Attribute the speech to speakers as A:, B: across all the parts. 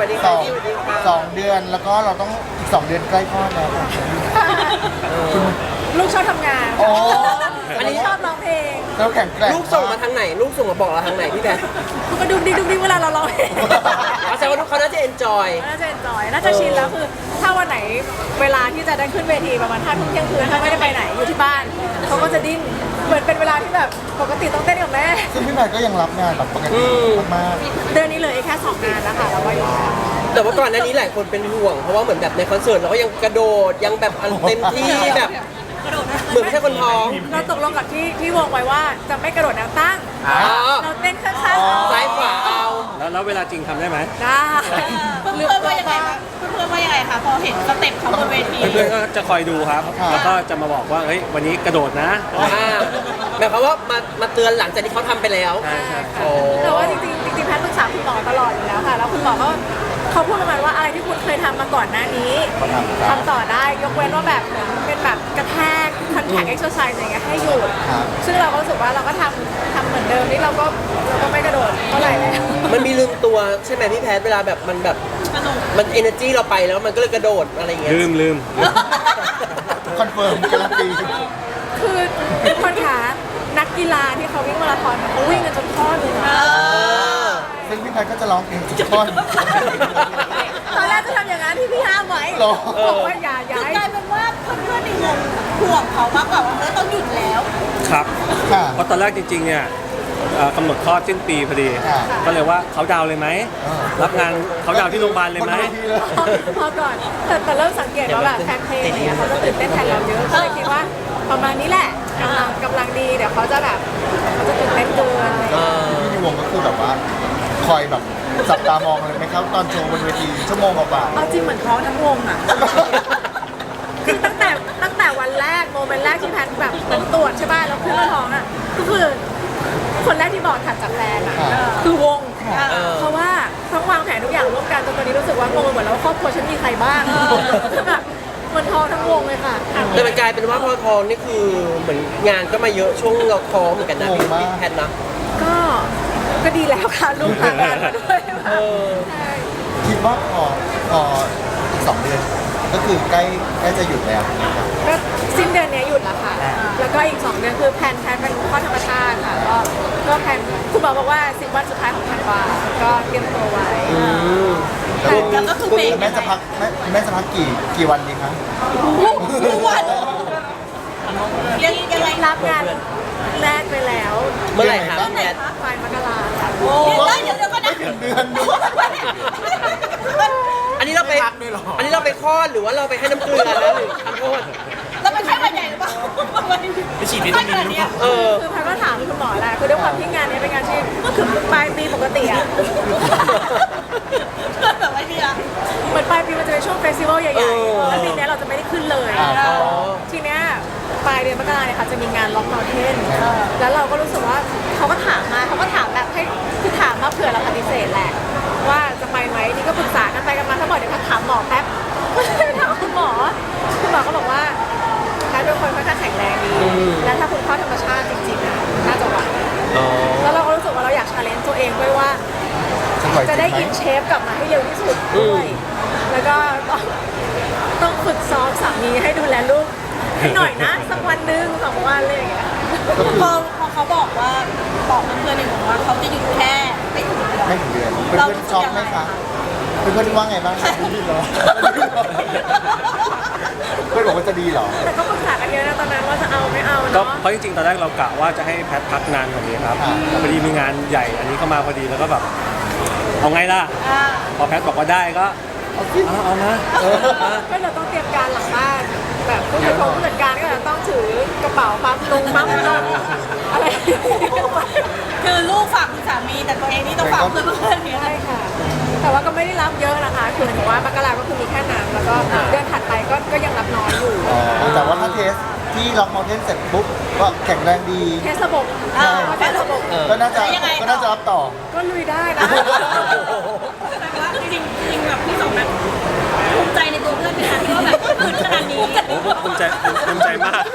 A: วัสดีค่ะสวัสดีค่ะ
B: 2 เดือนแล้วก็เราต้องอีก2 เดือนใกล้คลอดแล้วค่ะ
C: ลูกชอบทำงาน
B: โอ้
C: อันนี้ชอบร้องเพลง
B: เราแข็งแกร่ง
A: ลูกส่งมาทางไหนลูกส่งมาบอกเราทางไหนพี่แพท
C: ก็ดูดีเวลาเราร้องเพลง
A: แสดงว่าเขาน่าจะเอนจอย
C: น่าจะเอนจอยน่าจะชินแล้วคือถ้าวันไหนเวลาที่จะได้ขึ้นเวทีประมาณ5 ทุ่มเที่ยงคืนถ้าไม่ได้ไปไหนอยู่ที่บ้านเขาก็จะดิ้นเหมือนเป็นเวลาที่แบบปกติต้องเต้นกับแม่
B: ซึ่งพี่แพทก็ยังรับงานแบบปกติมาก
C: เดือนนี้เหลยแค่2 งานแล้วค่ะแล้วก็อยู่
A: แต่ว่าก่อนหน้านี้หลายคนเป็นห่วงเพราะว่าเหมือนแบบในคอนเสิร์ตเราก็ยังกระโดดยังแบบเต็มที่แบบเหมือนไม่ใช่คนท้อง
C: เราตกลงกับที่วงไว้ว่าจะไม่กระโดดแนวตั้ง
A: อ๋อ
C: เราเต้นข้างๆ
A: ซ้ายขวาเอา
D: แล้วเวลาจริงทำได้ไหม
C: ได้
E: เพื่อนว่ายังไงคะเพื่อนว่ายังไงคะพอเห็นสเต็ปเขาบนเวที
D: เพื่อนๆก็จะคอยดูครับ แล้วก็จะมาบอกว่าเฮ้ยวันนี้กระโดดนะ
A: หมายความว่ามาเตือนหลังจากที่เขาทำไปแล้ว
D: ใช่
A: โอ้
C: แต่ว่าจริงๆแพทย์ปรึกษาคุณหมอตลอดอยู่แล้วค่ะ แล้วคุณหมอก็เขาพูดประมาณว่าอะไรที่คุณเคยทำมาก่อนหน้านี้
B: ๆเขาทำ
C: ต่อได้ยกเว้นว่าแบบเหมือนเป็นแบบกระแทกคอนแทคเอ็กซ์ไซส์อย่างเงี้ยให้หยุด
B: ครับ
C: ซึ่งเราก็รู้สึกว่าเราก็ทำเหมือนเดิมนี่เราก็ไม่กระโดดเท่าไหร่แล้ว
A: มันมีลืมตัวใช่ไหมพี่แพทเวลาแบบมันแบบมันเอเนอร์จีเราไปแล้วมันก็เลยกระโดดอะไรอย่างเงี้ย
D: ลืม
B: คอนเฟิร์มการันตี
C: คือคนขานักกีฬาที่เขาวิ่งมาราธอนเขาวิ่งกันจนข้อหนึ่งอะ
B: ซึ่งพี่แพทก็จะร้องเพลงทุกท่อน
C: ตอนแรกจะทำอย่างนั้นที่พี่ห้ามไว้
B: หรอ
C: บอกว่าอย่า
E: คื
C: ย้า
E: อย กลายเป็นว่าเพื่อนๆในวงห่วงเขามากกว่าว่าต้องหยุดแล้ว
D: ครับ
B: ค่ะ
D: เพราะตอนแรกจริงๆเนี่ยกำหนดคลอดสิ้นปีพอดี
B: ค่ะ
D: ก็เลยว่าเขาดาวน์เลยไหม รับงานเขาดาวน์ที่โรงพยาบาลเลยไหม
B: บนวทีเลย
C: พอก่อนแต่เริ่มสังเกตว่าแบบแฟนเพลงอะไรเงี้ยเขาจะตื่นเต้นแทนเราเยอะก็เลยคิดว่าประมาณนี้แหละกำลังดีเดี๋ยวเขาจะแบบเขาจะตื่นเต้นเกินอะไรเงี้ย
B: พี่ในวงก็คือแบบว่าคอยแบบจับตามองเลยไหมครับตอนโชว์บนเวทีชั่วโมงกว่า
C: เอาจริงเหมือนท้องทั้งวงอ่ะคือตั้งแต่วันแรกโมเมนต์แรกที่แพทแบบเหมือนตรวจใช่ป่ะแล้วขึ้นมาท้องอ่ะก็คือคนแรกที่บอกถัดจากแฟนอ่ะคือวง เพราะว่าต้องวางแผนทุกอย่างร่วมกันจนตอนนี้รู้สึกว่างงไปหมดแล้วว่าครอบครัวฉันมีใครบ้างแบบมันท้องทั้งวงเลยค่ะ
A: แต่มันกลายเป็นว่าพอทองนี่คือเหมือนงานก็มาเยอะช่วงเราท้องเหมือนกันนะพี่แพทนะ
C: ก็ดีแล้วค่ะลูกทางานมาด้วย ใช่
B: ๆคิดว่าพออีก2 เดือนก็คือใกล้จะหยุดแล้วนะครับ
C: ก็สิ้นเดือนนี้หยุดแล้วค่ะ แล้วก็อีก2 เดือนคือแพลนเป็นข้อธรรมชาติค่ะก็แพลนคุณหมอบอกว่า10 วันสุดท้ายของธันวาก็เตรียมตัวไว้
E: แล้วก็คือเบรก
B: แม่จะพักแม่จะพักกี่วันดีคะ
E: ทุกวันยังไง
C: รับงานแรกไปแล้ว
A: เมื่อไหร่ครับพี่แพท
C: ปลายมกราค่ะ
E: เดี๋ยวก็นะ
B: เดือนด้วย
A: อันนี้เราไปอันนี้เราไปคลอดหรือว่าเราไปให้น้ำเกลือแล้วหรือทำโทษ
E: เราเป็นไข้หวัดใหญ่หรือเปล่าไปฉีดวิตามินหรือเปล่า
C: คือพันก็ถามคุณหมอแหละคือด้วยความที่งานนี้เป็นงานที่คือปลายปีปกติอะ
E: แบบว่าเนี่ย
C: เหมือนปลายปีมันจะเป็นช่วงเฟสติวัลใหญ่ๆแล้วปีนี้เราจะไม่ได้ขึ้นเลย ทีเนี้ยปลายเดือนมกราเนี่ยค่ะจะมีงานล็อกเมลเทนแล้วเราก็รู้สึกว่าเขาก็ถามแบบให้คือถามมาเผื่อเราปฏิเสธแหละ ว่าจะไปไหมนี่ก็ปรึกษากันไปกันมาถ้าบอกเดี๋ยวพักถามหมอแป๊บก็เลยถามคุณหมอก็บอกว่าแพทย์เป็นคนค่อนข้างแข็งแรงดีและถ้าคุณเข้าธรรมชาติจริงๆอะน่าจะไหวแล้วเราก็รู้สึกว่าเราอยากชาเลนจ์ตัวเองด้วยว่า จะได้อินเชฟกลับมาให้เร็วที่สุดด้วย แล้วก็ต้องฝึกซ้อมสามีให้ดูแลลูกให้หน่อยนะ สักวันหนึ่ง2 วันเลยอย่างเงี้ย
E: พอเขาบอกว่าบอกเพื่อนๆในวงว่าเขาจะหยุดแค่ไม่ถึงเดือน
B: ไม่ถึงเดือนเพื่อนๆช็อกไหมคะเพื่อนๆว่าไงบ้างคะดีเหรอเพื่อนบอกว่าจะดีเหรอ
C: แต่ก็ปรึกษากันเยอะนะตอนนั้นว่าจะเอาไม่เอา
D: ก็
C: เนาะ
D: เพราะจริงๆตอนแรกเรากะว่าจะให้แพทพักนานกว่านี้ครับพอดีมีงานใหญ่อันนี้เข้ามาพอดีแล้วก็แบบเอาไงล่ะ พอแพทบอกว่าได้ก็เอานะ
C: ก็เราต้องเตรียมการหลังบ้านแบบผู้จัดการก็จะต้องถือกระเป๋าปั๊มลงอะไร
E: คือลูกฝากคุณสามีแต่ตัวเองนี่ต้องฝากเพื่อนๆเนี่ย
C: ใช่ค่ะ แต่ว่าก็ไม่ได้รับเยอะนะคะคือหมายถึงว่ามกราก็คือมีแค่นั้นแล้วก็เดือนถัดไปก็ยังรับน้อยอยู่
B: แต่ว่าถ้าเทสที่ล็อกมอเทนเสร็จปุ๊บก็แข็งแรงดี
C: เทสระบบเทสระบบ
B: ก็น่าจะรับต่อ
C: ก็ลุยได้นะ
E: แต่ว่าจริงๆแบบพี่สองแบบภูมิใจในตัวเพื่อนนะคะที่ว่าแบบขึ้นขนาดนี้
D: โอ้ภูมิใจมาก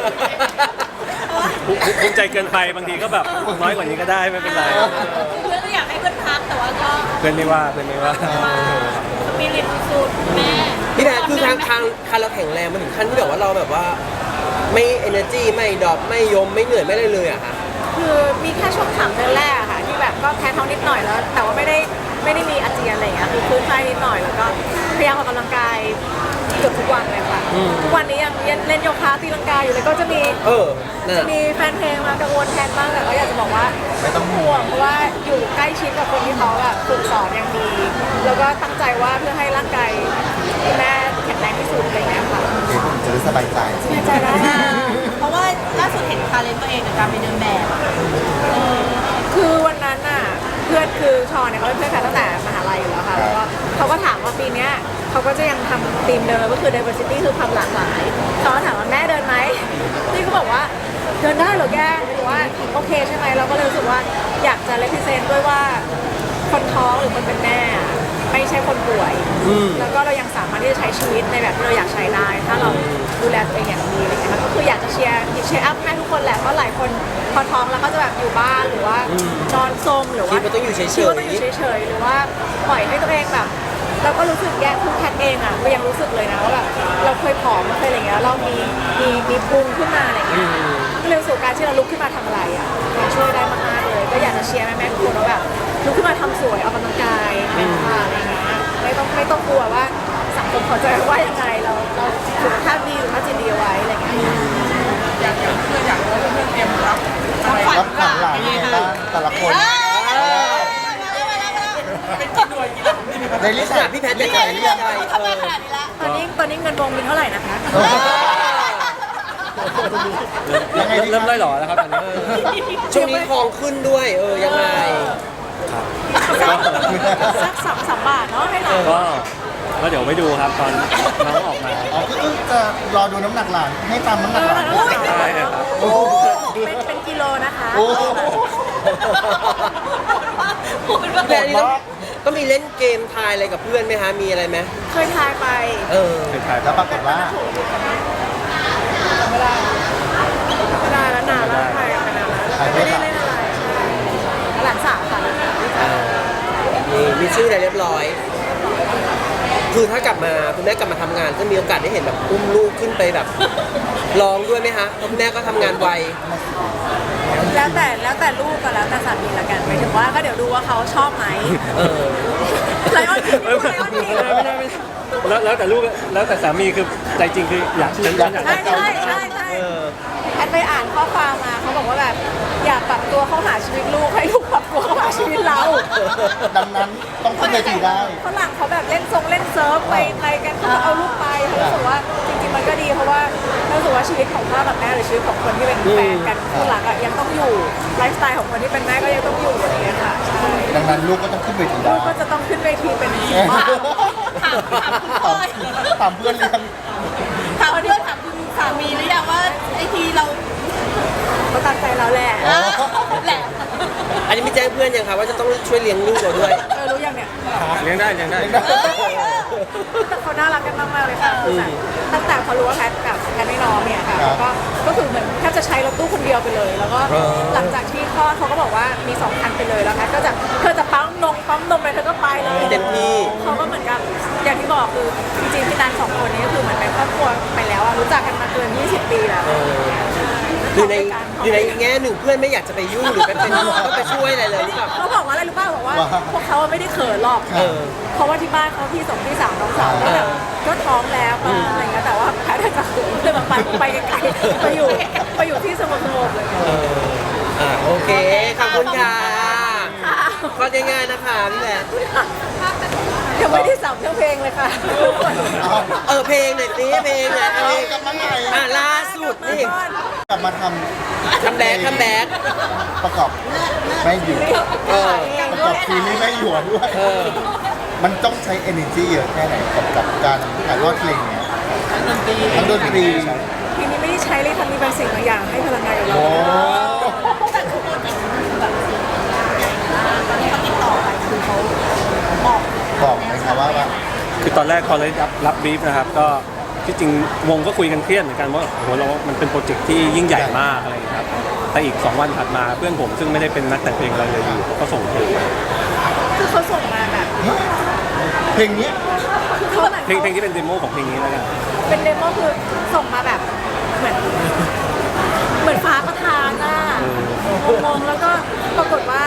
D: ภูมิใจเกินไปบางทีก็แบบน้อยกว่านี้ก็ได้ไม่เป็นไร
E: เพื่อนก็อยากให้เพื่อนพักแต่ว่าก็
D: เพื่อนไม่ว่า
B: แ
E: ปิริตสุดแม่
A: พี่แพทคือทางเราแข็งแรงมาถึงขั้นที่แบบว่าเราแบบว่าไม่ energy ไม่ดรอปไม่ยมไม่เหนื่อยไม่ได้เลยอะค่ะ
C: คือมีแค่ช่วง3 เดือนแรกอะค่ะที่แบบก็แพ้ท้องนิดหน่อยแล้ว แต่ว่าไม่ได้มีอาเจียนอะไรอย่างเงี้ยคือคลื่นไส้นิดหน่อยแล้วก็พยายามออกกำลังกายเกือบทุกวันเลยค่ะทุกวันนี้ยังเล่นโยคะตีลังกาอยู่เลยก็จะมี
A: นั่น
C: จะ
A: อะ
C: มีแฟนเพลงมากังวลแทนบ้างแต่ก็อยากจะบอกว่า
B: ไม่ต้องห่
C: ห่
B: ว
C: ว
B: ง
C: งเพราะว่าอยู่ใกล้ชิดกับคนที่เขาแบบฝึกสอนอย่างดี แล้วก็ตั้งใจว่าเพื่อให้ร่างกายคุณแม่แข็งแรงที่สุดอะไรอย่างเงี้ยค่ะ
B: เดี๋ยวผมจะได้สบายใจ
C: แน่ใจได้
E: เพราะว่าล่าสุดเห็นคาเลนตัวเองกับการไปเดินแบบอะ
C: คือวันนั้นน่ะเพื่อนคือชอนเนี่ยเขาเป็นเพื่อนกันตั้งแต่มหาลัยอยู่แล้วค่ะแล้วก็เขาก็ถามว่าปีเนี้ยเขาก็จะยังทำธีมเดิมก็คือ diversity คือความหลากหลายเขาก็ถามว่าแม่เดินไหมนี่ก็บอกว่าเดินได้เหรอแกหรือว่าโอเคใช่ไหมเราก็เลยรู้สึกว่าอยากจะ represent ด้วยว่าคนท้องหรือคนเป็นแม่อะไม่ใช่คนป่วย แล้วก็เรายังสามารถที่จะใช้ชีวิตในแบบที่เราอยากใช้ได้ ถ้าเราดูแลตัวเองอย่างดีอะไรเงี้ยค่ะก็คืออยากจะเชียร์อัพให้ทุกคนแหละเพราะหลายคนพอท้องแล้วก็จะแบบอยู่บ้านหรือว่านอนซมหรือว่า
A: คิดว่าต้องอยู่เฉยๆ
C: คิดว่าต้องอยู่เฉยๆหรือว่าปล่อยให้ตัวเองแบบ เราก็รู้สึกแย่คือแพทย์เองอ่ะก็ยังรู้สึกเลยนะว่าแบบเราเคยผอมเคยอะไรเงี้ยเรามีพุงขึ้นมาอะไรเงี้ยก็เลยรู้สึกการที่เราลุกขึ้นมาทำอะไรอ่ะมันช่วยได้มากๆเลยก็อยากจะเชียร์แม่ๆทุกคนว่าแบบลุกขึ้นมาทำสวยออกกำลังกายอะไรเงี้ยไม่ต้องกลัวว่าสังคมเขาจะว่ายังไงเราสุขภาพดีสุขภาพจิตดีเอาไว้อะไรเงี้ย
B: รับผ่านหลังยังไงบ้างแต่ละคนในลิสต์
A: พี่แพทย์จะขายเรื่องอะไร
E: ทำไมขนาดนี้ละ
C: ตอนนี้เงินวงมีเท่าไหร่นะคะ
B: ยังไงดี
D: เริ่มไล่หล่อแล้วครับตอนนี้
A: ช่วงนี้ทองขึ้นด้วยยังไง
C: สัก2-3 บาทเนาะให้หลาน
D: ก็เดี๋ยวไปดูครับตอนน้องออกมา
B: อ๋อก็คือจะรอดูน้ำหนักหลานให้ตามน้ำหนักหลาน
D: ใช่ครับ
B: โอ้
C: เป็นกิโลนะคะ
B: โอ้
A: แต่อันนี้ต้องมีเล่นเกมทายอะไรกับเพื่อนไหมคะมีอะไรไหม
C: เคยทายไป
D: สุดท้าย
B: แล้วปรากฏว่า
C: ไม่ได้แล้วนานแล้วทายกันไปนานแล้วไม่ได้เล่นอะไรใช่หลานสาวค่ะ
A: มีชื่ออะไรเรียบร้อย คือถ้ากลับมาคุณแม่กลับมาทำงานจะมีโอกาสได้เห็นแบบอุ้มลูกขึ้นไปแบบร้องด้วยไหมคะเพราะคุณแม่ก็ทำงานไว
C: แล้วแต่ลูกก็แล้วแต่สามีละกันหมายถึงว่าก็เดี๋ยวดูว่าเขาชอบไหม ไลออนคิงไลออนคิง
D: ไม่ได้แล้วแต่ลูกแล้วแต่สามีคือใจจริงคืออยากฉันอยาก
C: ใช่แอนไปอ่านข้อความมาเขาบอกว่าแบบอยากปรับตัวเข้าหาชีวิตลูกให้ลูกปรับตัวเข้าหาชีวิตเรา
B: ดังนั้นต้องขึ้นเวทีได้
C: ฝรั่งเขาแบบเล่นเซิร์ฟไปกันเขาก็เอาลูกไปเขารู้สึกว่าจริงๆมันก็ดีเพราะว่ารู้สึกว่าชีวิตของพ่อกับแม่หรือชีวิตของคนที่เป็นแฟนกันคู่รักอะยังต้องอยู่ไลฟ์สไตล์ของคนที่เป็นแม่ก็ยังต้องอยู่อะไรอย่างเงี้ยค่ะใช่
B: ดังนั้นลูกก็ต้องขึ้นเวที
C: ลู
B: ได้
C: กก็จะต้องขึ้นเวทีเป็น
B: ถามเพื่อนเรียน
E: ถามเพื่อนถามคุณสามีหรือยังว่าไอทีเรา
C: เขาตามใจเราแหละ
E: แหละ
A: อันนี้ไม่แจ้งเพื่อนยังคะว่าจะต้องช่วยเลี้ยงลูกเราด้วย
C: รู้ยังเนี่ย
D: เลี้ยงได้
C: แต่เขาน่ารักกันมากๆเลยค่ะคือแบบตั้งแต่พอรู้ว่าแพทกับแพทไม่น้องเนี่ยค่ะก็คือเหมือนแทบจะใช้รถตู้คนเดียวไปเลย แล้วก็หลังจากที่คลอดเขาก็บอกว่ามี2 คันไปเลยแล้วแพทก็จะเธอจะปั๊มนมไปเธอก็ไปเลย
A: เต็มที่
C: เขาก็เหมือนกับอย่างที่บอกคือจริงๆพี่นัน2 คนนี้ก็คือเหมือนเป็นครอบครัวไปแล้วอะรู้จักกันมาเกิน20 ปีแล้ว
A: หรือในแง่หนึ่งเพื่อนไม่อยากจะไปยุ่งหรือไปช่วยอะไรเลยหรือเปล่า
C: เขาบอกว่าอะไรรู้ป่าวบอกว่าพวกเขาไม่ได้เขินหรอกเพราะว่าที่บ้านเขาพี่2พี่3น้องสาวก็แบบก็ท้องแล้วอะไรเงี้ยแต่ว่าแพทย์จะเขินเลยแบบไปไกลๆไปอยู่ที่สงบๆเลย
A: โอเค ขอบคุณค่ะก็ง่ายๆนะคะพี่แหวน
C: ยังไม่ได้สับเรื่องเพลงเลยค่ะ
A: เพลงหน่อยสิเพลงหน่อย
B: เอากลับมาใหม่
A: ล่าสุดนี่
B: กลับมาท
A: คัมแบ็ก
B: ำประกอบไม่อยู่ประกอบทีมนี้ไม่อยู่ด้วย มันต้องใช้ energy เยอะแค่ไหนกับการถ่ายทอดเพลงเนี้ยทั้งดนตรี
C: ทีนี้ไม่ได้ใช้เลยทำมีบางสิ่งบางอย่างให้พลังงานกับเรา
B: โอ้
E: ตอนที่เขาติดต่อไปคือเขาบอก
B: บอกไหมครับว่า
D: คือตอนแรกพอเลยรับบีฟนะครับก็ที่จริงวงก็คุยกันเครียดเหมือนกันว่าโหเรามันเป็นโปรเจกต์ที่ยิ่งใหญ่มากอะไรอย่างเงี้ยครับแต่อีก2 วันถัดมาเพื่อนผมซึ่งไม่ได้เป็นนักแต่งเพลงอะไรเลยอยู่ก็ส่งเพลงมา
C: คือเขาส่งมาแบบ
B: เพลงนี้
C: ใ
D: เพลงที่เป็นเดโมของเพลงนี้แล้วกัน
C: เป็นเดโมคือส่งมาแบบเหมือนฟ้าประทานอ่ะงงๆแล้วก็ปรากฏว่า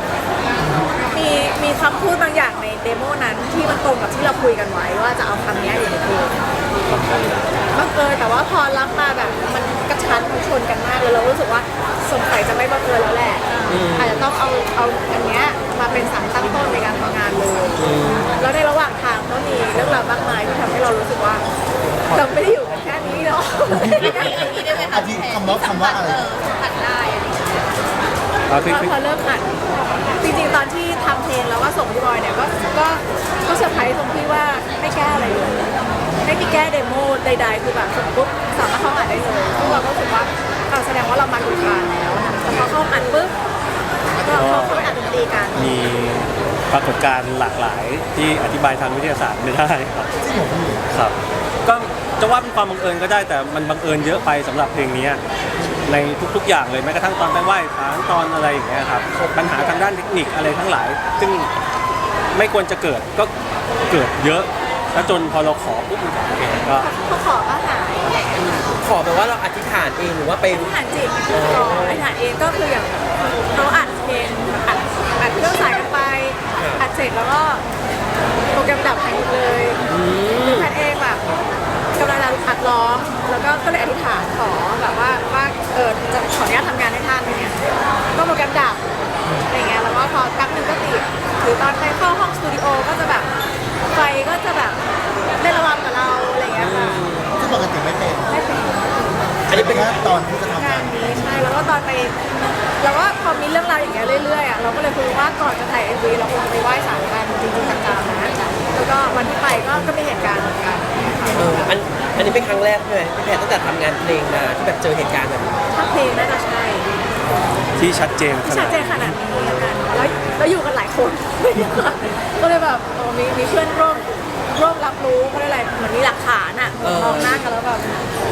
C: มีคำพูดบางอย่างในเดโมนั้นที่มันตรงกับที่เราคุยกันไว้ว่าจะเอาคำนี้อยู่ในเพลงบังเอิญแต่ว่าพอรับมาแบบมันกระชั้นมันชนกันมากเลยเรารู้สึกว่าสงสัยจะไม่บังเอิญแล้วแหละอาจจะต้องเอาอันเนี้ยมาเป็นสารตั้งต้นในการทำงานเลยแล้วในระหว่างทางก็มีเรื่องราวมากมายที่ทำให้เรารู้สึกว่าเราไม่ได้อยู่กันแค่นี้เนาะ
B: อาทิคำว่าอะไร
E: ผัดได้อะไรอย่างเงี้ย
C: พอเริ่มอัดจริงๆตอนที่ทำเพลงแล้วก็ส่งพี่บอยเนี่ยก็เซอร์ไพรส์ตรงที่ว่าไม่แก้อะไรเลยไม่มีแก้เดโมใดๆคือแบบส่งปุ๊บสามารถเข้าอัดได้เลยซึ่งเราก็รู้สึกว่าแสดงว่าเรามาถูกทางแล้วแต่พอเข้าอัดปุ๊บก็เข้าไปอัดดนตรีกัน
D: มีปรากฏการณ์หลากหลายที่อธิบายทางวิทยาศาสตร์ไม่ได้ครับ
B: ที่ผมอยู่
D: ครับก็จะว่าเป็นความบังเอิญก็ได้แต่มันบังเอิญเยอะไปสำหรับเพลงนี้ในทุกๆอย่างเลยแม้กระทั่งตอนไปไหว้ศาลตอนอะไรอย่างเงี้ยครับปัญหาทางด้านเทคนิคอะไรทั้งหลาย ซึ่งไม่ควรจะเกิดก็เกิดเยอะแล้วจนพอเราขอปุ๊บมันก็โอเคก็
C: พอขอก็หาย
A: ขอแบบว่าเราอธิษฐานเองหรือว่าไป
C: อธิษฐานจิตขออธิษฐานเองก็คืออย่างเขาอัดเพลงอัดเครื่องสายกันไปอัดเสร็จแล้วก็โปรแกรมดับหายหมดเลยแพทย์เองแบบกำลังจะอัดร้องแล้วก็เลยอธิษฐานขอแบบว่าจะขออนุญาตทำงานให้ท่านอะไรเงี้ยก็โปรแกรมดับอะไรเงี้ยแล้วก็พอแป๊บนึงก็ติดหรือตอนไปเข้าห้องสตูดิโอก็จะแบบไฟก็จะแบบเล่นระวังกับเราอะไรเงี้ยค่ะ
B: ที่ปกติไม่เป็น
C: ไม่เป็น
B: อันนี้เป็นแค่ตอนที่จะทำงาน
C: นี้ใช่แล้วก็ตอนไปแล้วก็พอมีเรื่องราวอย่างเงี้ยเรื่อยๆอ่ะเราก็เลยคุยว่าก่อนจะถ่าย MV เราควรจะไปไหว้ศาลกันจริงๆจังๆนะแล้วก็วันที่ไปก็มีเหตุการณ์เหมือนกัน
A: อันนี้เป็นครั้งแรกใช่ไหมพี่แพทตั้งแต่ทำงานเพลงมาที่แบบเจอเหตุการณ์แบบนี้
C: ถ้าเพลงน่าจะใช่
D: ที่ชัดเจนข
C: ที่
D: นา
C: ชั
D: ด
C: ดเจนขนาดนี้แล้วกันแล้วอยู่กันหลายคน ก็เลยแบบมีเพื่อนร่วมรับรู้เขาเรียกอะไรเหมือนมีหลักฐานอ่ะมองหน้ากันแล้วแบบ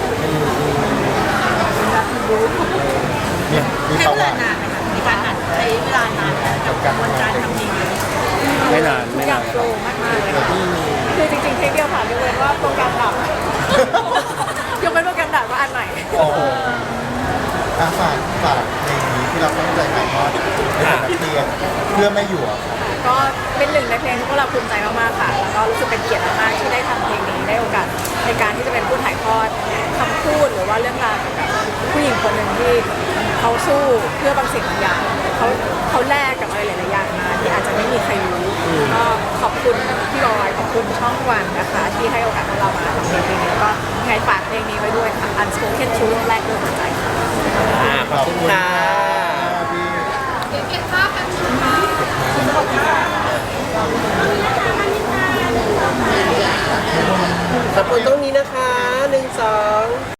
C: รู้
B: เนี่ยมี
E: ใช้
B: ประ
E: เว
B: วั
E: ลา
B: ติ
E: นานไหมคะในการอัดใช้เวลานานไหมกับกระบวนการทำเพลงนี้
D: ไม่นาน
C: ทุ
D: ไม่
C: กอย่าน
D: าง น
C: โฟล์มากๆเลยค่ะคือจริงๆเพลงเดียวผ่านยกเว้นว่าโปรแกรมดับ ยกเว้นโปรแกรมดับว่าอันใหม่
B: โอ้โหฝากเพลงนี้ที่เราตั้งใจถ่ายทอดในฐานะเพลงเพื่อไม่อยู่อะ
C: ก็เป็นหนึ่งในเพลงที่พวกเราภูมิใจมากๆค่ะ แล้วก็รู้สึกเป็นเกียรติมากๆที่ได้ทำเพลงนี้ได้โอกาสในการที่จะเป็นผู้ถ่ายทอดคำพูดหรือว่าเรื่องราวเกี่ยวกับผู้หญิงคนหนึ่งที่เขาสู้เพื่อบางสิ่งบางอย่างเขาแลกกับอะไรหลายๆอย่างมาที่อาจจะไม่มีใครรู้ก็ขอบคุณพี่บอยขอบคุณช่องวันนะคะ ที่ให้โอกาสพวกเรามาทำเพลงนี้แล้วก็ยังไงฝากเพลงนี้ไว้ด้วยค่ะ Unspoken Truth แรกด้วยหัวใจค่ะ
A: ขอบคุณค่ะ
B: พี่
E: เก็บภาพกันค่ะ
A: ขอบคุณตรงนี้นะคะ1 2